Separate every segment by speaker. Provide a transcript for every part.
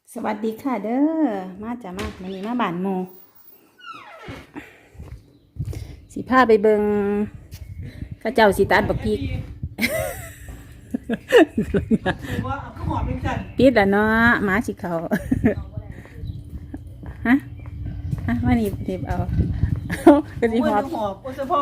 Speaker 1: สวัสดีค่ะเด้อมาจ้ะมาวันนี้มาบ้านโมสิพาไปเบิงข้าเจ้าสิตัดบักพริกปิดแล้วเนาะหมาสิเขาฮะวันนี้เด็บเอาก็สิหอบ
Speaker 2: พ่อ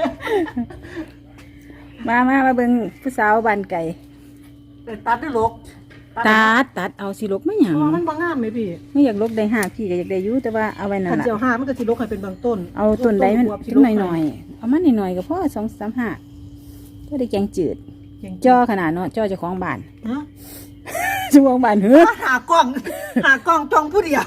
Speaker 1: มาเบิงผู้สาวบ้านไก่
Speaker 2: ตัดได้ลก
Speaker 1: ตัดเอาสิลกไม่หยัง
Speaker 2: มันบางงามไหมพี่
Speaker 1: ไม่อยากลกได้5พี่ก็อยากได้อยู่แต่ว่าเอาไว้นั่นล่ะ
Speaker 2: เจียว5มันก็สิลกให้เป็นบางต้น
Speaker 1: เอาต้นใดมันต้นหน่อยๆเอามาหน่อยๆก็พอ2-3 ก็ได้แกงจืดจ่อขนาดเนาะจ่อเจ้าของบ้านเจ้าของบ้านเฮ้อ
Speaker 2: หากล้องจองผู้เดียว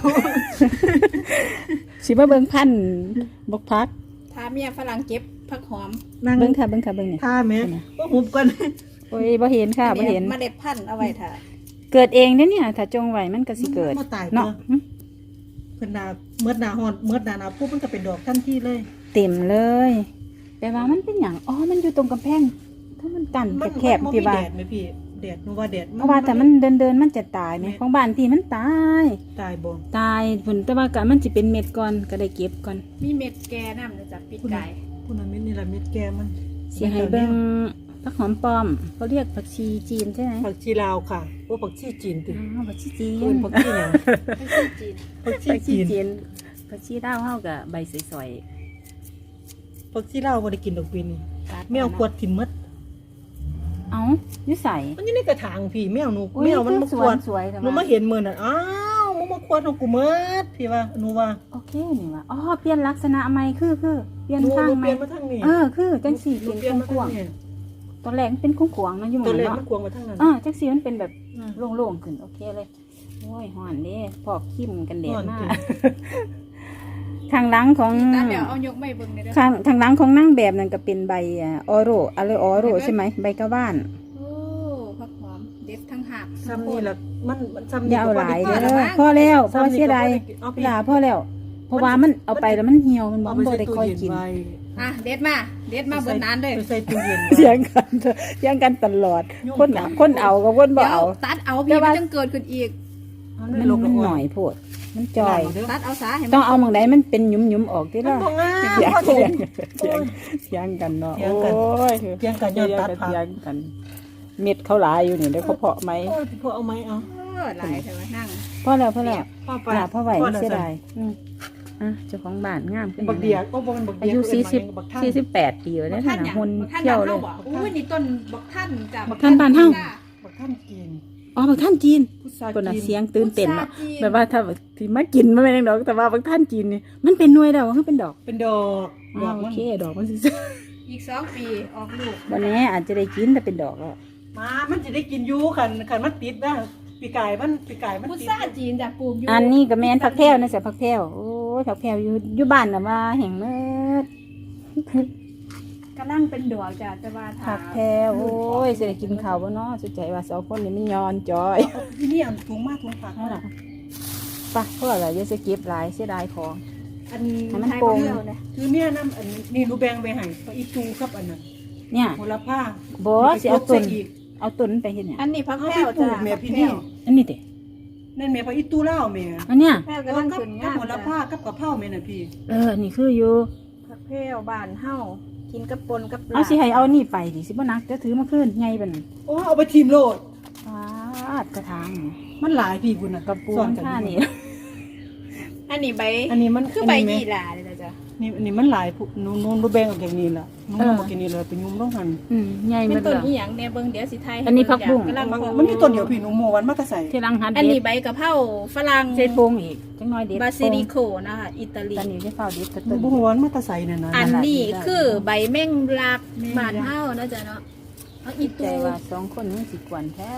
Speaker 1: สิมาเบิ่งพันบกพัก
Speaker 3: ถ้าเมียฝรั่งเก็บผักหอม
Speaker 1: เบิ่งค่ะเนี่ย
Speaker 2: ท่าแม่ก็หุบกัน
Speaker 1: โอ้ยบ่เห็นค่ะบ่เห็น
Speaker 3: เมล็ดพันธุ์เอาไว้ถ้า
Speaker 1: เกิดเองเด้อเนี่ยถ้าจงไว้มันก็สิเกิดเนาะ
Speaker 2: เพิ่นนาเมื่อหน้าฮ้อนเมื่อหน้าหนาวปุ๊บมันก็เป็นดอกทันทีเลย
Speaker 1: เต็มเลยแปลว่ามันเป็นหยังอ๋อมันอยู่ตรงกำแพงถ้ามันกั้นแคบๆที่บ้าน
Speaker 2: แดดมั้ยพี่แดดนึกว่าแดด
Speaker 1: เพราะว่าแต่มันเดินมันจะตายมั้ยของบ้านที่มันตาย
Speaker 2: บ่
Speaker 1: ตายพุ่นแต่ว่าก็มันสิเป็นเม็ดก่อนก็ได้เก็บก่อน
Speaker 3: มีเม็ดแก่นำจากปีกไก่
Speaker 2: คุณน่ะเม็ดนี่ล่ะเม็ดแก่มัน
Speaker 1: สิให้เบิ่งผักหอมป้อมเขาเรียกผักชีจีนใช่ไหม
Speaker 2: ผักชีลาวค่ะโอ้ผักชีจีนติ
Speaker 1: ผักชีจีน
Speaker 2: ผักชีหยัง
Speaker 1: ผักชีจีนผักชีดาวเฮากับใบสวย
Speaker 2: ๆผักชีลาวบ่ได้กินดอกปีนี้แมวขวดทิ่มหมด
Speaker 1: เอ้าอยู่ไส
Speaker 2: มันอยู่ในกระถางพี่แมวหนูแมวมันมาขวดหนูมาเห็นมื้อนั้นอ้าวมึงมาขวดของกูหมดพี่ว่าหนูว่า
Speaker 1: โอเคนี่ว่าอ๋อเปลี่ยนลักษณะใหม่คือเปลี่ยนทางใหม่
Speaker 2: เปลี่ยนมาทางนี้
Speaker 1: คือจังซี่เป็นกว้างตอนแรกมันเป็นขวางๆเนาะอยู่หมู่เนาะ
Speaker 2: ตอนแรกมันกวางมาทางนั้น
Speaker 1: จังซี่มันเป็นแบบโล่งๆขึ้นโอเคเลยโอ้ยฮ้อนเด้พอกขิมกันแดดมากข้างหลังของ
Speaker 3: เอายกไม่เบิ่งเลยเด้อ
Speaker 1: ข้างหลังของนางแบบนั่นก็เป็นใบออโรอะไรออโรใช่ไหมใบกะว่าน
Speaker 3: โอ้ผักหอมเด็ดทั้งหัก
Speaker 2: ซ้ำนี่ล่ะมันซ้ำ
Speaker 1: นี่เอาหลายเด้อพอแล้วพอเสียดายเวลาพอแล้วเพราะว่ามันเอาไปแล้วมันเหี่ยวมันบ่ได้ค่อยกิน
Speaker 3: เด็ดมาเบิดนานเลย
Speaker 2: ใส่ตู้เย็น
Speaker 1: เถียงกันตลอดคนเอากับคนบ่เอา
Speaker 3: ตัดเอาพี่มันจังเกิดขึ้นอีก
Speaker 1: มันหน่อยโพดมันจอย
Speaker 3: ตัดเอาซะ
Speaker 1: ต้องเอาหม่องใดมันเป็นหยุมๆออกติล่ะเถียงกันเนาะโอ้ย
Speaker 2: เถียงกันย้อนตัดผัก
Speaker 1: เถียงกันเม็ดเขาหลายอยู่นี่ได้เขาเพาะมั้ย
Speaker 2: พอเอามั้ยเอา
Speaker 3: หลายเถอะนั่ง
Speaker 1: พอแล้วพ่อไหวเสียดายเจ้าของบ้านงามขึ้น
Speaker 2: บักเดียก็บ่เป็นบักเดีย
Speaker 1: อายุ48 ปีแล้วนะหุ่นเที่ยวเลย
Speaker 3: อุ้ยนี่ต้นบักท่านจ้ะ
Speaker 1: บักท่านบ้านเฮา
Speaker 2: บักท่านจีน
Speaker 1: บักท่านจีนคนน่ะเสียงตื่นเต้นเนาะแบบว่าถ้าที่มากินมันไม่ได้ดอกแต่ว่าบักท่านจีนนี่มันเป็นหน่วยแล้วคือเป็นดอก
Speaker 2: โอ
Speaker 1: เคดอกมันสิ
Speaker 3: อีก2 ปีออกลูก
Speaker 1: วันนี้อาจจะได้กินแต่เป็นดอกแล้ว
Speaker 2: มันจะได้กินอยู่คันมันติดนะปีกายมัน
Speaker 3: พุทราจีนจากปลูกอยู่
Speaker 1: อันนี้ก็แม่นผักแพรวนะสิผักแพรวโอ้ยผักแพรวอยู่บ้านน่ะว่าแห่งเมิด
Speaker 3: กำลังเป็นดอกจ้ะแต่ว่า
Speaker 1: ผักแพรวโอ้ยสิได้กินข้าวบ่เนาะสุดใจว่า2คนนี่มันย้อนจอย
Speaker 2: ที่นี่อันถุงมากถุงผักเท่าไหร่
Speaker 1: ป่ะเพราะอะไรอย่าสิเก็บหลายเสียดายของ
Speaker 2: อันมันโป่งคือเนี่ยน้ำอันนี่หนูแบ่งไปให้อีตูครับอันนั้น
Speaker 1: เนี่ย
Speaker 2: โหระพา
Speaker 1: บ่สิเอาต้นไปเฮ็ดหยัง
Speaker 3: อันนี้ผักแพรวจ้ะ
Speaker 2: แม่พี่นี่
Speaker 1: อันนี้ติ
Speaker 2: นั่นแม่ผักอีตูลาวแม่
Speaker 1: อันเนี้ย
Speaker 3: แพรวกำลังขึ้นงาม
Speaker 2: โหระพากับกะเพราแม่น่ะพี่
Speaker 1: อันนี้คืออยู่
Speaker 3: ผักแพรวบ้านเฮากินกับปนกับปลา
Speaker 1: เอาสิให้เอานี่ไปดิสิบ่นักจะถือมาคืนใหญ่บัดนั้น
Speaker 2: โอ้เอาไปทีมโลด
Speaker 1: กระถาง
Speaker 2: มันหลายพี่พุ่นน่ะ
Speaker 1: กับปูนค่านี่
Speaker 3: อันนี้ใบ
Speaker 2: อันนี้มัน
Speaker 3: คือใบยี่หร่าเลยจ้ะ
Speaker 2: นี่มันหลายนูแบ่งออกอย่างนี้ล่ะนูบ่กินนี่เลยเป็นยุมต้องหั่น
Speaker 1: ใหญ่มัน
Speaker 3: ต้นอีหยังแน่เบิ่งเดี๋ยวสิไทย
Speaker 1: อันนี้ผักบุ้ง
Speaker 2: มันมีต้นเดียวพี่หนูโมวันมาแต่ใส่
Speaker 1: ที่รังหัน
Speaker 3: อันนี้ใบกะเพราฝรั่ง
Speaker 1: ใส่โป่งอีกจังน้อยเด็ด
Speaker 3: บาซิลิโคนะคะอิตาลี
Speaker 1: ตอนนี้ได้เฝ้าเด็ด
Speaker 2: ต้นบ่ฮู้วันมาแต่ใส่นั่นน่ะ
Speaker 3: อันนี้คือใบแมงลักบ้านเฮานะจ๊ะเนาะเอาอีตู
Speaker 1: ว่า2คนนี้สิกวนแท้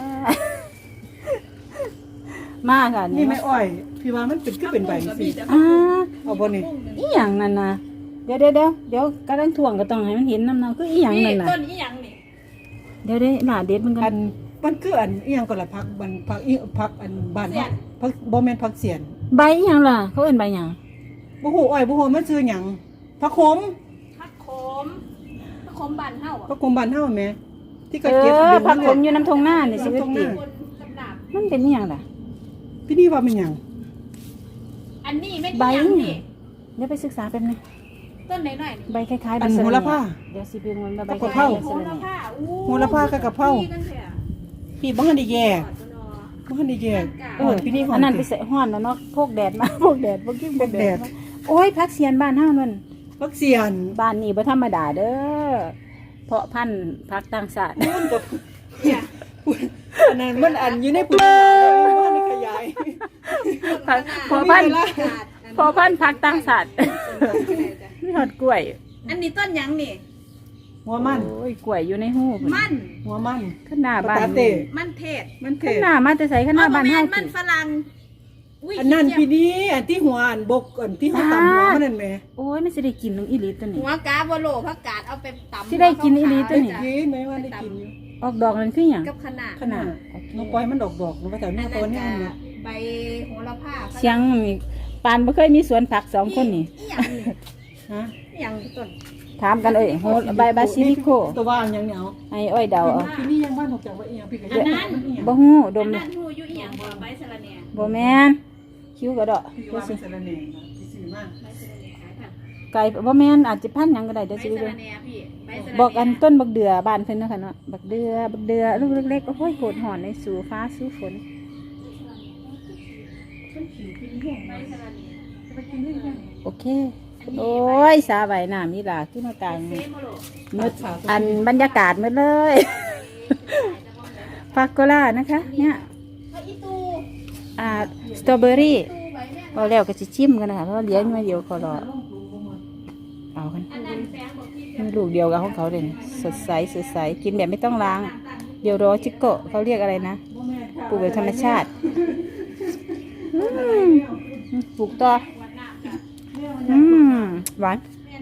Speaker 1: มาค่ะ
Speaker 2: นี่ไม่อ้อยพี่ว่ามันเป็นคือเป็นใบสิเอาบ่นี่
Speaker 1: อีหยังนั่นน่ะเดี๋ยวกำลังถ่วงก็ต้องให้มันเห็นน้ำเนาคืออีหยังนั่นน่ะ
Speaker 3: ต้นอีหยังนี่
Speaker 1: เดี๋ยวหน้าเด็ดมันกัน
Speaker 2: มันคืออันอีหยังก็ละผักบันผักอีผักอันบ้านผักบ่แม่นผักเสียน
Speaker 1: ใบอีหยังล่ะเขาเอิ้นใบหยัง
Speaker 2: บ่ฮู้อ้อยบ่ฮู้มันชื่อหยังผักขม
Speaker 3: บ้านเฮา
Speaker 2: ผักขมบ้านเฮาแม่ที่ก็
Speaker 1: เก็บผักขมอยู่น้ำทงหน้านี่สิติมันเป็นอีหยังล่ะ
Speaker 2: พี่นี่ว่าเป็นหยัง
Speaker 3: อันนี้ไม่
Speaker 1: ใบ
Speaker 3: ใบนี่
Speaker 1: เดี๋ยวไปศึกษาแป๊บนึง
Speaker 3: ต้นไหนหน่อย
Speaker 1: ใบคล้ายๆ
Speaker 2: อัน
Speaker 1: สะ
Speaker 2: โห
Speaker 1: ระ
Speaker 2: ระพา
Speaker 1: เดี๋ยวสิเบิ่งมันว่าใบ
Speaker 2: กะ
Speaker 1: ค
Speaker 2: เพรา
Speaker 1: ล้ายๆ
Speaker 3: โห
Speaker 1: สะระ
Speaker 3: ระ
Speaker 1: แหน่
Speaker 3: พาอู้
Speaker 2: โหระพากับกะเพรา
Speaker 3: ดีกันเถอะ
Speaker 2: พี่บ้านได้แยกบ้านได้แยกพี่นี่หอ
Speaker 1: อั
Speaker 2: ม
Speaker 1: นนั้นไปใส่ห้อนแล้วเนาะพวกแดดมา พวกแดดพวกกิ้งพวกแดดมาโอ้ยพักเสียนบ้านเฮานั่น
Speaker 2: พักเสียน
Speaker 1: บ้านนี้บ่ธรรมดาเด้อเพาะพันธุ์พักต่างชาติ
Speaker 2: มันกับอันนั้นมันอันอยู่ในปุ๋ยบ้านในขยาย
Speaker 1: เพาะพันธุ์เพาะพันธุ์พักต่างชาติมีฮอดกล้วย
Speaker 3: อันนี้ต้นหยังนี่
Speaker 2: หัวมัน
Speaker 1: โอ้ยกล้วยอยู่ในหูพุ่น
Speaker 3: มัน
Speaker 2: หัวมัน
Speaker 1: ข้างหน้าบ้าน
Speaker 2: ปกติ
Speaker 3: มันเทศ
Speaker 2: มันเท
Speaker 1: ข้างหน้ามาแต่ไสข้างหน้าบ้านเฮา
Speaker 3: มันฝรั่งย
Speaker 2: อันนั้นพี่นี่อันที่หัวอันบกอันที่เขาตำหัวมันนั่นแหม
Speaker 1: โอ้ยมันสิได้กินนึงอีหลีตัวนี้
Speaker 3: หัวกาบโลผักกาดเอาไปตำ
Speaker 1: สิได้กินอีหลีตัวนี้
Speaker 2: กินไหมว่าได้กินอยู่
Speaker 1: ออกดอกนั่นคือหยัง
Speaker 3: กับขนาด
Speaker 2: ขนาดน้องปล่อยมันดอกๆมันก็แต่
Speaker 3: อัน
Speaker 2: เนี่ย
Speaker 3: นั้น
Speaker 2: ตัวนี้
Speaker 3: ก็
Speaker 2: มันเนี่ย
Speaker 3: ใบโหระพา
Speaker 1: เสียงนี่ปานบ่เคยมีสวนผักสองคนนี่
Speaker 3: อีหยังนี่
Speaker 2: ฮะ
Speaker 3: อีหยังต้น
Speaker 1: ถามกันเอ้ยโหใบบาซิลิโค
Speaker 2: ตัวว่างยังเหนียว
Speaker 1: ให้อ้อยเดาเอา
Speaker 2: พี่นี่ยังบ้านถูกจับว่าเอียงพี่ก็
Speaker 3: อันนั้น
Speaker 1: บ่ฮู้ด
Speaker 3: อั
Speaker 1: ม
Speaker 3: น
Speaker 1: เล
Speaker 3: นั้
Speaker 1: ย
Speaker 3: นหูอยู่อีหยังบ่ใบสะระแหน่
Speaker 1: บ่แม่นคิ้วกระดอก
Speaker 2: พี่
Speaker 1: ดู
Speaker 2: ว่า
Speaker 1: สิ
Speaker 2: เป็นสารเนงนะพี่ซื้อมา
Speaker 3: ใบสะระแหน่ขายผัก
Speaker 1: ไก่บ่แม่นอาจจะพันหยังก็ได้
Speaker 3: ใบ
Speaker 1: เดี๋ยวสิ
Speaker 3: สะ
Speaker 1: ไปเบิ่
Speaker 3: ระ
Speaker 1: ง
Speaker 3: แหน่พี่ใบสะระแหน่
Speaker 1: บอกอันต้นบักเดือบ้านเพิ่นเนาะค่ะเนาะบักเดือลูกเล็กๆโอ้ยโหดหอนในสู่ฟ้าสู่ฝน
Speaker 3: ใบสะระแหน่
Speaker 1: โอเค โอ้ยสาใบน้ำนี่ล่ะขึ้นมากลาง
Speaker 3: เซโมโล
Speaker 1: มืดอันบรรยากาศมืดเลย ฟากโกล่านะคะ เนี่ย
Speaker 3: พระอีตู
Speaker 1: สตรอเบอรี่
Speaker 3: ตูใบแม่
Speaker 1: เอาแล้วก็จะชิมกันนะคะเพราะว่าเลี้ยงมาเดียวเขารอเอากัน
Speaker 3: อันนั้นแฟงบอกพี่
Speaker 1: มีลูกเดียวกับของเขาเลยนะสดใสกินแบบไม่ต้องล้าง เดี๋ยวรอชิโกะเขาเรียกอะไรนะปลูกแบบธรรมชาติอืมปลูกต่ออืมหวาน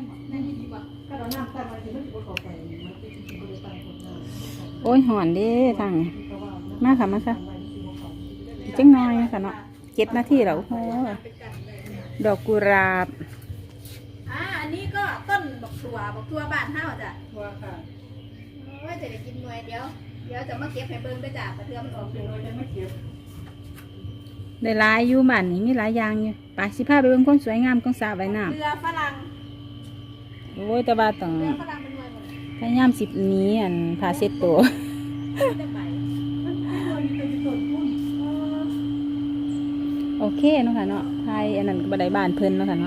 Speaker 1: โอ้ยหอนเดิทางนี้มาค่ะมาค่ะอีกจังน้อยค่ะเนาะ7 นาทีแล้วโอ้โหดอกกุหลาบ
Speaker 3: อันนี้ก็ต้นบักทัวบ้านเฮาจ้ะ
Speaker 2: ว่าค่ะ
Speaker 3: ว่าจะได้กินหน่วยเดี๋ยวจะมาเก็บให้เบิ่งด้วยจ้ะกระเทือมนออก
Speaker 2: เดี๋ยวเราจะไม่เก็บ
Speaker 1: ได้หลายอยู่บ้านนี้มีหลายอย่างอยู่ไปสิพาไปเบิ่งความสวยงามของสระว่ายน้
Speaker 3: เรือฝรั่ง
Speaker 1: ำโอ้ยแต่ว่าต้อง
Speaker 3: เรือฝรั่งเป็นหน่วยหมด
Speaker 1: พยายามสิบหนี้อันพาเซ็ตตัว
Speaker 3: จะไป
Speaker 1: โอเคเนาะค่ะเนาะไทยอันนั้นก็บันไดบ้านเพิ่นเนาะค่ะเนาะ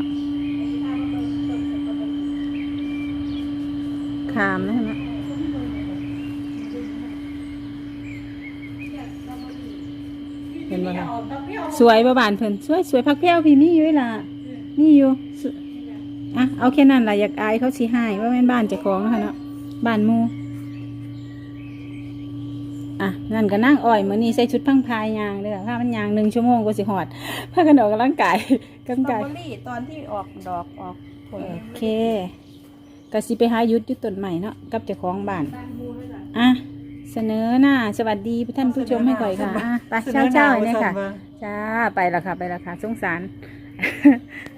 Speaker 1: ขามเนาะค่ะเนาะเห็นบ่ค่ะสวยบ่บ้านเพิ่นสวยพักแพ้วพี่มีอยู่เวล่ะนี่อยู่สอ่ะเอาแค่นั้นล่ะอยากอายเขาสิให้ว่าแม่นบ้านเจ้าของเนาะค่ะเนาะบ้านหมู่อ่ะนั่นก็นั่งอ้อยมื้อนี้ใส่ชุดพังพายยางเด้อถ้ามันยาง1 ชั่วโมงก็สิฮอดพากันออกกำลังกาย
Speaker 3: สตรอเบอรี่ตอนที่ออกดอกออกผล
Speaker 1: โอเคก็สิไปหายุดอยู่ต้นใหม่เนาะกับเจ้าของบ้าน
Speaker 3: บ้านมูด้วยจ้ะ
Speaker 1: อ่ะเสนอหน้าสวัสดีท่านผู้ชมให้ก่อยค่ะอ่ะไปเช้าๆเนี่ยค่ะจ้าไปและค่ะสงสาร